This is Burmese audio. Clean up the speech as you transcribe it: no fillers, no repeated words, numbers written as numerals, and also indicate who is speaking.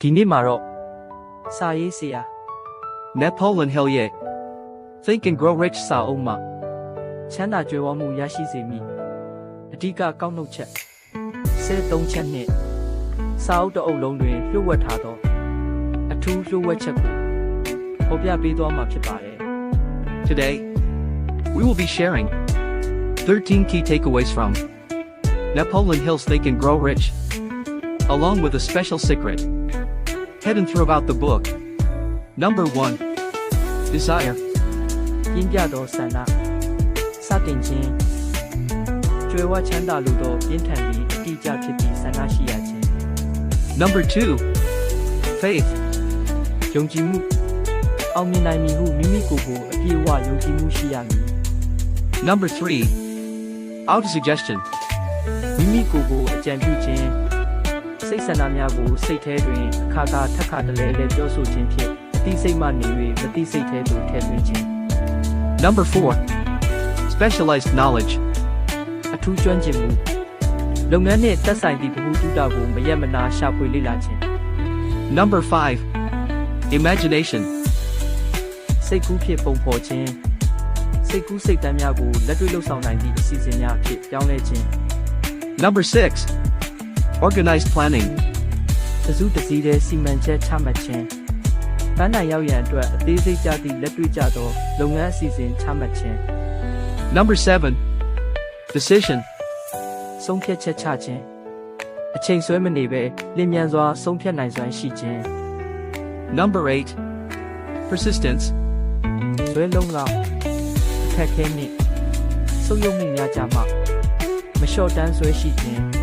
Speaker 1: ဒီနေ့မှာတော့စာရေးဆရာ
Speaker 2: Napoleon Hill ye. Think and Grow Rich စာအုပ်မှာ
Speaker 1: ချမ်းသာကြွယ်ဝမှုရရှိစေမည်အဓိကကောက်နှုတ်ချက်13ချက်နှင့်စာအုပ်တစ်အုပ်လုံးတွင်လျှို့ဝှက်ထားသောအထူးလျှို့ဝှက်ချက်ကိုဖော်ပြပေးသွားမှာဖြစ်ပါတယ်
Speaker 2: Today, we will be sharing 13 key takeaways from Napoleon Hill's Think and Grow Rich, along with a special secret hidden throughout the book. Number 1. Desire.
Speaker 1: ပြင်းပြသောဆန္ဒစတင်ခြင်းကြွယ်ဝချမ်းသာလိုသောပြင်းထန်ပြီးအတိအကျဖြစ်ပြီးဆန္ဒရှိရခြင်း
Speaker 2: Number 2. Faith.
Speaker 1: ယုံကြည်မှုအောင်မြင်နိုင်မည်ဟုမိမိကိုယ်ကိုအပြည့်အဝယုံကြည်မှုရှိရမည်
Speaker 2: Number 3. Autosuggestion.
Speaker 1: မိမိကိုယ်ကိုအကြံပြုခြင်းစိတ်ဆန္ဒများကိုစိတ်ထဲတွင်အခါခါတလဲလဲပြောဆိုခြင်းဖြင့်အသိစိတ်မှနေ၍မသိစိတ်ထဲသို့ထည့်သွင်းခြင်း
Speaker 2: Number 4. Specialized knowledge.
Speaker 1: အထူးကျွမ်းကျင်မှုလုပ်ငန်းနှင့်သက်ဆိုင်သည့်ဗဟုသုတကိုမရက်မနာရှာဖွေလေ့လာခြင်း
Speaker 2: Number 5. Imagination.
Speaker 1: စိတ်ကူးဖြင့်ပုံဖော်ခြင်းစိတ်ကူးစိတ်တမ်းများကိုလက်တွေ့လှုပ်ဆောင်နိုင်သည့်အစီအစဉ်များအဖြစ်ပြောင်းလဲခြင်း
Speaker 2: Number 6. Organized planning.
Speaker 1: တစုတစည်းတဲ့စီမံချက်ချမှတ်ခြင်းပန်းတိုင်ရောက်ရန်အတွက်အသေးစိတ်ကြသည့်လက်တွေ့ကျသောလုပ်ငန်းအစီအစဉ်ချမှတ်ခြင်း
Speaker 2: Number 7. Decision.
Speaker 1: ဆုံးဖြတ်ချက်ချခြင်းအချိန်ဆွဲမနေဘဲလျင်မြန်စွာဆုံးဖြတ်နိုင်စွမ်းရှိခြင်း
Speaker 2: Number 8. Persistence.
Speaker 1: ဇွဲလုံးလောက်အခက်ခဲနှင့်ဆုပ်ယုပ်မှုများကြမှမလျှော့တမ်းဆွဲရှိခြင်း